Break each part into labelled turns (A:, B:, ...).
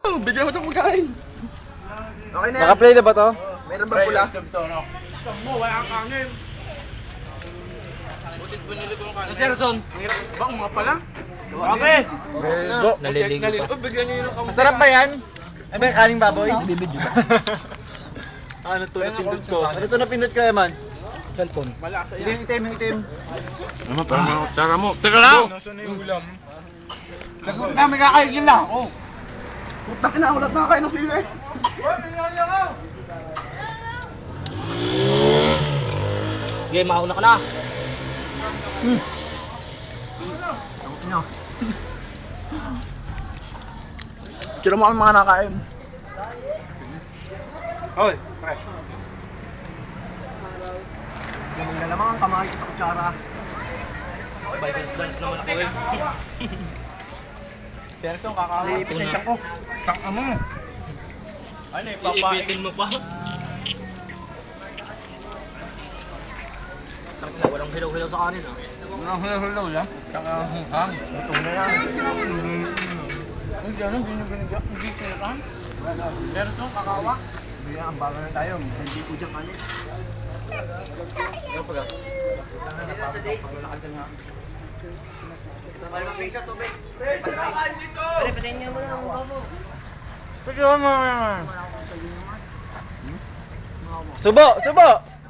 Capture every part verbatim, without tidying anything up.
A: Bigyan ko itong magkain. Okay na yan.
B: Naka-play na ba to?
A: Meron ba pula?
C: Mo, wala kang kanin.
A: Butit bunili ko yung kanin.
C: Serson.
A: Bang mga pala?
C: Okay.
B: Go.
C: Naliligo pa.
A: Bigyan niyo yung kamay.
B: Masarap ba yan? Ay ba kaning baboy? Bibidyo ba? Ano to na pindot ko? Ano to na pindot ko, Eman? Cellphone.
A: Malasa yan.
B: Itim, itim, itim.
A: Ano pa mga kutsara mo? Teka lang!
B: Nasaan na yung ulam?
A: Lagot na, may kakaigil na ako. Putak na, ulat na kayo ng sili.
C: Okay, mauna ka na.
A: Hmm. Lagot nyo. Tira mo kami mga nakain. Oy, pre. Yung galamang ang kamay ko sa kutsara.
C: Dance naman ako eh.
A: Serson, kakawa. Liipit ng tiyak ko. Taka mo.
C: Ano eh, iipitin mo pa. Walang hilaw-hilaw sa kanin ah.
A: Walang hilaw-hilaw lang. Taka hang. Ito na yan. Hindi ano, hindi nyo binigyan. Hindi kinakahan. Serson, kakawa. Hindi yan, ang bago na tayo. Hindi po dyan kanin. Ano pa ga? Hindi na sa date. Paglakad ka nga. Malamang piso, tubig. Pre, patayin dito! Pre, patayin niya mo lang ang babo.
B: Pwede mo naman. Subo! Subo!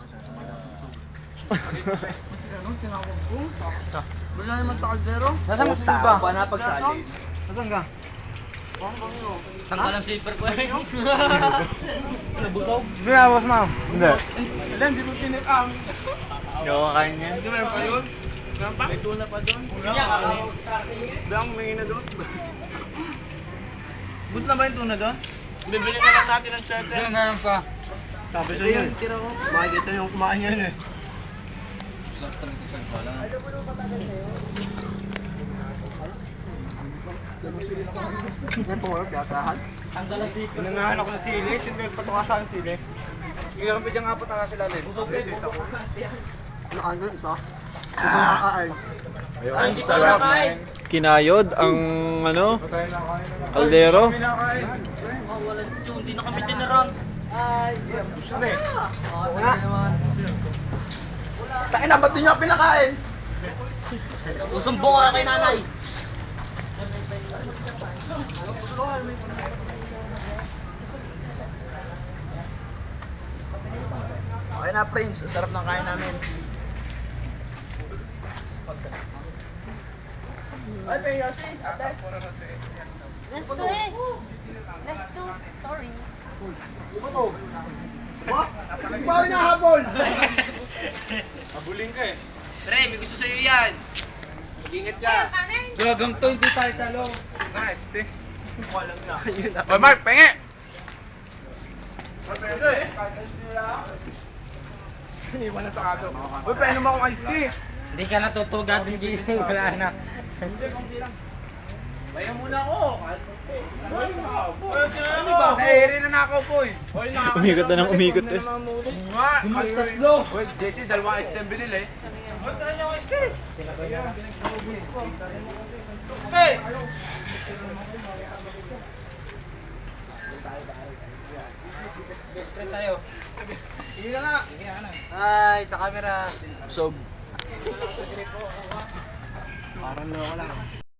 A: Ano, tinawag ko? Wala naman sa kaldero.
B: Nasaan mo si Suba?
A: Paano pagsali?
B: Nasaan ka?
C: Tanggal ang zipper ko eh. Nabutaw.
B: Hindi na, boss ma'am. Hindi.
A: Wala, hindi mo pinag-am.
B: Hindi ako kakain yan.
A: Hindi meron pa yun? Meron pa? May tuna pa doon? Wala. Bang, may na doon. Good na ba yung tuna doon? Bibili na lang natin ng shirt. Hindi meron pa. Sabi sa yun. Tira ko. Makikita yung kumain yan eh. Yan po, gasahan.
C: Tanggal ang zipper.
B: Pinangahan ako ng sili. Sino nagpatukasan ng sili? Ilang pa dyan apat na sila rin.
C: Busog eh.
A: Ano ano ito? Ay.
B: Ang sarap. Kinayod ang ano? Kaldero.
C: Wala dito, hindi na kami tinaran.
A: Gusto na eh. Takin na, ba't di nyo pinakain?
C: Usumbong ka kay nanay.
A: Okay na, Prince. Ang sarap ng kain namin. Ay, may Yoshi. Ate.
D: Let's do it. Let's do sorry.
A: Ano to? Ba? Hindi ba ako hinahabol?
B: Abuling ka eh.
C: Pre, may gusto sa'yo yan.
A: Mag-ingat ka.
B: Gagang to, hindi tayo sa loob.
A: Nice, te.
C: Walang na.
A: Oy, Mark, penge! Iniwan na sa kato. Uy, painom akong iced tea.
C: Hindi ka natutugad ng gising, wala na.
A: Bayan muna ako. Ano ba? Nahihiri na na ako, boy.
B: Umikot na ng umikot eh.
A: Gumastas lo. Uy, Jesse, dalawang iced tea ang binili. Uy, tayo yung iced tea. Hey!
C: Friend tayo.
A: Hindi na nga.
C: Hi, sa camera.
A: Sob. Parang loko lang.